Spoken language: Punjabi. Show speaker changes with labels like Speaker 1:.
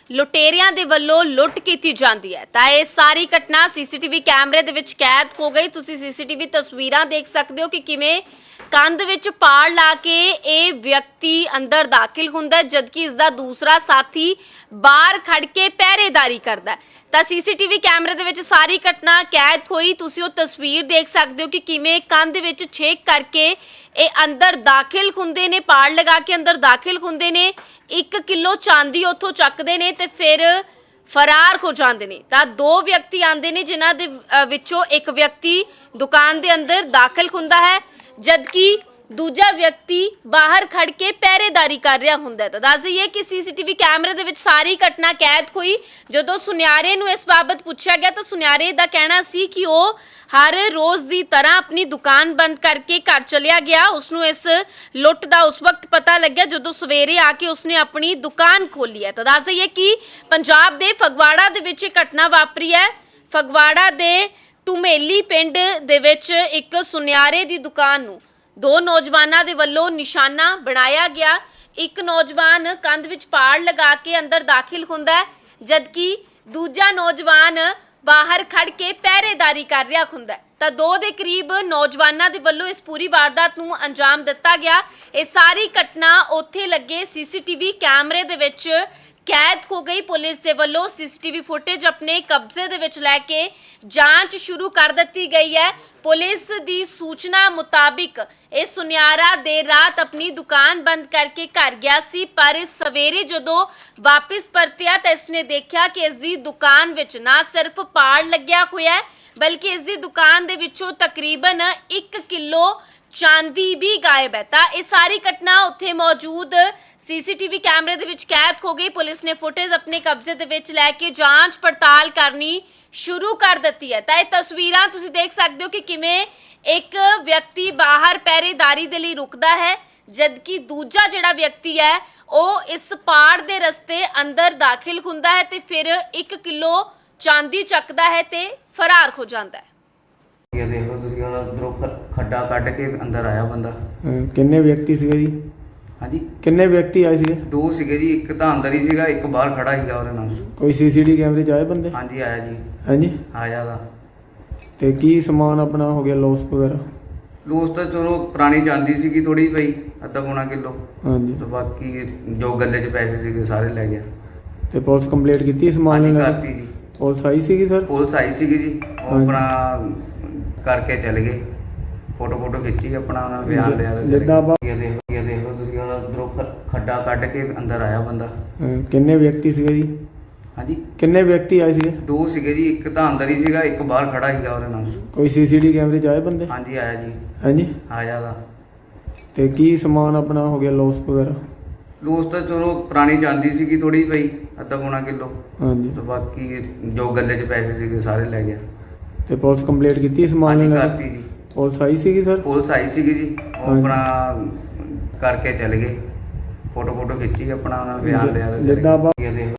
Speaker 1: ਲੁਟੇਰਿਆਂ ਦੇ ਵੱਲੋਂ ਲੁੱਟ ਕੀਤੀ ਜਾਂਦੀ ਹੈ। ਤਾਂ ਇਹ ਸਾਰੀ ਘਟਨਾ ਸੀਸੀਟੀਵੀ ਕੈਮਰੇ ਦੇ ਵਿੱਚ ਕੈਦ ਹੋ ਗਈ। ਤੁਸੀਂ ਸੀਸੀਟੀਵੀ ਤਸਵੀਰਾਂ ਦੇਖ ਸਕਦੇ ਹੋ ਕਿ ਕਿਵੇਂ ਕੰਧ ਵਿੱਚ ਪਾੜ ਲਾ ਕੇ ਇਹ ਵਿਅਕਤੀ ਅੰਦਰ ਦਾਖਲ ਹੁੰਦਾ ਹੈ, ਜਦਕਿ ਇਸ ਦਾ ਦੂਸਰਾ ਸਾਥੀ ਬਾਹਰ ਖੜ ਕੇ ਪਹਿਰੇਦਾਰੀ ਕਰਦਾ ਹੈ। ਤਾਂ ਸੀਸੀਟੀਵੀ ਕੈਮਰੇ ਦੇ ਵਿੱਚ ਸਾਰੀ ਘਟਨਾ ਕੈਦ ਹੋਈ। ਤੁਸੀਂ ਉਹ ਤਸਵੀਰ ਦੇਖ ਸਕਦੇ ਹੋ ਕਿ ਕਿਵੇਂ ਕੰਧ ਵਿੱਚ ਛੇਕ ਕਰਕੇ ਇਹ ਅੰਦਰ ਦਾਖਲ ਹੁੰਦੇ ਨੇ, ਪਾੜ ਲਗਾ ਕੇ ਅੰਦਰ ਦਾਖਲ ਹੁੰਦੇ ਨੇ, 1 ਕਿਲੋ ਚਾਂਦੀ ਉੱਥੋਂ ਚੱਕਦੇ ਨੇ ਤੇ ਫਿਰ ਫਰਾਰ ਹੋ ਜਾਂਦੇ ਨੇ। ਤਾਂ ਦੋ ਵਿਅਕਤੀ ਆਂਦੇ ਨੇ, ਜਿਨ੍ਹਾਂ ਦੇ ਵਿੱਚੋਂ ਇੱਕ ਵਿਅਕਤੀ ਦੁਕਾਨ ਦੇ ਅੰਦਰ ਦਾਖਲ ਹੁੰਦਾ ਹੈ, ਜਦਕਿ ਦੂਜਾ ਵਿਅਕਤੀ ਬਾਹਰ ਖੜ ਕੇ ਪਹਿਰੇਦਾਰੀ ਕਰ ਰਿਹਾ ਹੁੰਦਾ ਹੈ। ਤਾਂ ਦੱਸ ਦਈਏ ਕਿ ਸੀਸੀਟੀਵੀ ਕੈਮਰੇ ਦੇ ਵਿੱਚ ਸਾਰੀ ਘਟਨਾ ਕੈਦ ਹੋਈ। ਜਦੋਂ ਸੁਨਿਆਰੇ ਨੂੰ ਇਸ ਬਾਬਤ ਪੁੱਛਿਆ ਗਿਆ ਤਾਂ ਸੁਨਿਆਰੇ ਦਾ ਕਹਿਣਾ ਸੀ ਕਿ ਉਹ ਹਰ ਰੋਜ਼ ਦੀ ਤਰ੍ਹਾਂ ਆਪਣੀ ਦੁਕਾਨ ਬੰਦ ਕਰਕੇ ਘਰ ਚਲਿਆ ਗਿਆ। ਉਸਨੂੰ ਇਸ ਲੁੱਟ ਦਾ ਉਸ ਵਕਤ ਪਤਾ ਲੱਗਿਆ ਜਦੋਂ ਸਵੇਰੇ ਆ ਕੇ ਉਸਨੇ ਆਪਣੀ ਦੁਕਾਨ ਖੋਲੀ ਹੈ। ਤਾਂ ਦੱਸ ਦਈਏ ਕਿ ਪੰਜਾਬ ਦੇ ਫਗਵਾੜਾ ਦੇ ਵਿੱਚ ਇਹ ਘਟਨਾ ਵਾਪਰੀ ਹੈ। ਫਗਵਾੜਾ ਦੇ ਟੁਮੇਲੀ ਪਿੰਡ ਦੇ ਵਿੱਚ ਇੱਕ ਸੁਨਿਆਰੇ ਦੀ ਦੁਕਾਨ ਨੂੰ ਦੋ ਨੌਜਵਾਨਾਂ ਦੇ ਵੱਲੋਂ ਨਿਸ਼ਾਨਾ ਬਣਾਇਆ ਗਿਆ। ਇੱਕ ਨੌਜਵਾਨ ਕੰਧ ਵਿੱਚ ਪਾੜ ਲਗਾ ਕੇ ਅੰਦਰ ਦਾਖਲ ਹੁੰਦਾ ਹੈ, ਜਦਕਿ ਦੂਜਾ ਨੌਜਵਾਨ ਬਾਹਰ ਖੜ ਕੇ ਪਹਿਰੇਦਾਰੀ ਕਰ ਰਿਹਾ ਹੁੰਦਾ ਹੈ। ਤਾਂ 2 ਦੇ ਕਰੀਬ ਨੌਜਵਾਨਾਂ ਦੇ ਵੱਲੋਂ ਇਸ ਪੂਰੀ ਵਾਰਦਾਤ ਨੂੰ ਅੰਜਾਮ ਦਿੱਤਾ ਗਿਆ। ਇਹ ਸਾਰੀ ਘਟਨਾ ਉੱਥੇ ਲੱਗੇ ਸੀਸੀਟੀਵੀ ਕੈਮਰੇ ਦੇ ਵਿੱਚ ਕੈਦ ਹੋ ਗਈ। ਪੁਲਿਸ ਦੇ ਵੱਲੋਂ ਸੀਸੀਟੀਵੀ ਫੁਟੇਜ ਆਪਣੇ ਕਬਜ਼ੇ ਦੇ ਵਿੱਚ ਲੈ ਕੇ ਜਾਂਚ ਸ਼ੁਰੂ ਕਰ ਦਿੱਤੀ ਗਈ ਹੈ। ਪੁਲਿਸ ਦੀ ਸੂਚਨਾ ਮੁਤਾਬਿਕ ਇਹ ਸੁਨਿਆਰਾ ਦੇਰ ਰਾਤ ਆਪਣੀ ਦੁਕਾਨ ਬੰਦ ਕਰਕੇ ਘਰ ਗਿਆ ਸੀ, ਪਰ ਸਵੇਰੇ ਜਦੋਂ ਵਾਪਸ ਪਰਤਿਆ ਤਾਂ ਇਸਨੇ ਦੇਖਿਆ ਕਿ ਇਸ ਦੀ ਦੁਕਾਨ ਵਿੱਚ ਨਾ ਸਿਰਫ ਪਾੜ ਲੱਗਿਆ ਹੋਇਆ ਹੈ, ਬਲਕਿ ਇਸ ਦੀ ਦੁਕਾਨ ਦੇ ਵਿੱਚੋਂ ਤਕਰੀਬਨ 1 ਕਿਲੋ ਚਾਂਦੀ ਵੀ ਗਾਇਬ ਹੈ। ਤਾਂ ਇਹ ਸਾਰੀ ਘਟਨਾ ਉੱਥੇ ਮੌਜੂਦ ਸੀਸੀਟੀਵੀ ਕੈਮਰੇ ਦੇ ਵਿੱਚ ਕੈਦ ਹੋ ਗਈ। ਪੁਲਿਸ ਨੇ ਫੁਟੇਜ ਆਪਣੇ ਕਬਜ਼ੇ ਦੇ ਵਿੱਚ ਲੈ ਕੇ ਜਾਂਚ ਪੜਤਾਲ ਕਰਨੀ ਸ਼ੁਰੂ ਕਰ ਦਿੱਤੀ ਹੈ। ਤਾਂ ਇਹ ਤਸਵੀਰਾਂ ਤੁਸੀਂ ਦੇਖ ਸਕਦੇ ਹੋ ਕਿ ਕਿਵੇਂ ਇੱਕ ਵਿਅਕਤੀ ਬਾਹਰ ਪਹਿਰੇਦਾਰੀ ਦੇ ਲਈ ਰੁਕਦਾ ਹੈ, ਜਦਕਿ ਦੂਜਾ ਜਿਹੜਾ ਵਿਅਕਤੀ ਹੈ ਉਹ ਇਸ ਪਾੜ ਦੇ ਰਸਤੇ ਅੰਦਰ ਦਾਖਲ ਹੁੰਦਾ ਹੈ ਤੇ ਫਿਰ 1 ਕਿਲੋ ਚਾਂਦੀ ਚੱਕਦਾ ਹੈ ਤੇ ਫਰਾਰ ਹੋ ਜਾਂਦਾ ਹੈ।
Speaker 2: ਇਹ ਦੇਖ ਲਓ ਤੁਸੀਂ, ਉਧਰੋਂ ਖੱਡਾ ਕੱਢ ਕੇ ਅੰਦਰ ਆਇਆ ਬੰਦਾ।
Speaker 3: ਕਿੰਨੇ ਵਿਅਕਤੀ ਸੀਗੇ ਜੀ?
Speaker 2: ਹਾਂਜੀ,
Speaker 3: ਕਿੰਨੇ ਵਿਅਕਤੀ ਆਏ ਸੀਗੇ?
Speaker 2: 2 ਸੀਗੇ ਜੀ, ਇੱਕ ਤਾਂ ਅੰਦਰ ਹੀ ਸੀਗਾ, ਇੱਕ ਬਾਹਰ ਖੜਾ ਸੀਗਾ ਉਹਦੇ ਨਾਲ।
Speaker 3: ਕੋਈ ਸੀਸੀਟੀਵੀ ਕੈਮਰੇ 'ਚ ਆਏ ਬੰਦੇ?
Speaker 2: ਹਾਂਜੀ ਆਇਆ ਜੀ,
Speaker 3: ਹਾਂਜੀ।
Speaker 2: ਆਇਆ ਦਾ।
Speaker 3: ਤੇ ਕੀ ਸਮਾਨ ਆਪਣਾ ਹੋ ਗਿਆ ਲੋਸ ਵਗੈਰਾ?
Speaker 2: ਲੋਸ ਤਾਂ ਚਲੋ ਪੁਰਾਣੀ ਚਾਂਦੀ ਸੀਗੀ ਥੋੜੀ ਪਈ, ਅੱਧਾ ਪੌਣਾ ਕਿਲੋ,
Speaker 3: ਹਾਂਜੀ।
Speaker 2: ਤੇ ਬਾਕੀ ਜੋ ਗੱਲੇ 'ਚ ਪੈਸੇ ਸੀਗੇ ਸਾਰੇ ਲੈ ਗਿਆ।
Speaker 3: ਤੇ ਪੁਲਿਸ ਕੰਪਲੀਟ ਕੀਤੀ ਸਮਾਨ
Speaker 2: ਹਾਂਜੀ
Speaker 3: ਲੈਣ ਦੀ?
Speaker 2: ਕਰਤੀ ਜੀ,
Speaker 3: ਪੁਲਿਸ ਆਈ ਸੀਗੀ ਸਰ?
Speaker 2: ਪੁਲਿਸ ਆਈ ਸੀਗੀ ਜੀ, ਉਹ
Speaker 3: ਹਾਂਜੀ।
Speaker 2: ਆਪਣਾ ਕਰਕੇ ਚਲੇ ਗਏ, ਫੋਟੋ ਖਿੱਚੀ, ਆਪਣਾ ਉਹਨਾਂ ਬਿਆਨ ਲਿਆ ਤੇ
Speaker 3: ਜਿੱਦਾਂ ਆਪਾਂ
Speaker 2: ਇਹ ਦੇਖ ਲਓ ਤੁਸੀਂ, ਉਧਰੋਂ ਖੱਡਾ ਕੱਢ ਕੇ ਅੰਦਰ ਆਇਆ ਬੰਦਾ।
Speaker 3: ਕਿੰਨੇ ਵਿਅਕਤੀ ਸੀਗੇ ਜੀ?
Speaker 2: ਹਾਂਜੀ,
Speaker 3: ਕਿੰਨੇ ਵਿਅਕਤੀ ਆਏ ਸੀਗੇ?
Speaker 2: 2 ਸੀਗੇ ਜੀ, ਇੱਕ ਤਾਂ ਅੰਦਰ ਹੀ ਸੀਗਾ, ਇੱਕ ਬਾਹਰ ਖੜਾ ਸੀਗਾ ਉਹਦੇ ਨਾਲ।
Speaker 3: ਕੋਈ ਸੀਸੀਟੀਵੀ ਕੈਮਰੇ 'ਚ ਆਏ ਬੰਦੇ?
Speaker 2: ਹਾਂਜੀ ਆਇਆ ਜੀ,
Speaker 3: ਹਾਂਜੀ।
Speaker 2: ਆਇਆ ਦਾ।
Speaker 3: ਤੇ ਕੀ ਸਮਾਨ ਆਪਣਾ ਹੋ ਗਿਆ ਲੋਸ ਵਗੈਰਾ?
Speaker 2: ਲੋਸ ਤਾਂ ਚਲੋ ਪੁਰਾਣੀ ਚਾਂਦੀ ਸੀਗੀ ਥੋੜੀ ਪਈ, ਅੱਧਾ ਪੌਣਾ ਕਿਲੋ,
Speaker 3: ਹਾਂਜੀ।
Speaker 2: ਤੇ ਬਾਕੀ ਜੋ ਗੱਲੇ 'ਚ ਪੈਸੇ ਸੀਗੇ ਸਾਰੇ ਲੈ ਗਿਆ।
Speaker 3: ਤੇ ਪੁਲਿਸ ਕੰਪਲੀਟ ਕੀਤੀ ਸਮਾਨ
Speaker 2: ਹਾਂਜੀ
Speaker 3: ਲੈਣ
Speaker 2: ਕਰਤੀ
Speaker 3: ਦੀ?
Speaker 2: ਜੀ,
Speaker 3: ਪੁਲਿਸ ਆਈ ਸੀਗੀ ਸਰ?
Speaker 2: ਪੁਲਿਸ ਆਈ ਸੀਗੀ ਜੀ, ਉਹ
Speaker 3: ਹਾਂਜੀ।
Speaker 2: ਆਪਣਾ ਕਰਕੇ ਚਲੇ ਗਏ, ਫੋਟੋ ਖਿੱਚੀ, ਆਪਣਾ ਉਹਨਾਂ ਬਿਆਨ ਲਿਆ ਤੇ ਚਲੇ
Speaker 3: ਜਿੱਦਾਂ ਆਪਾਂ
Speaker 2: ਗਏ। ਇਹ ਦੇਖ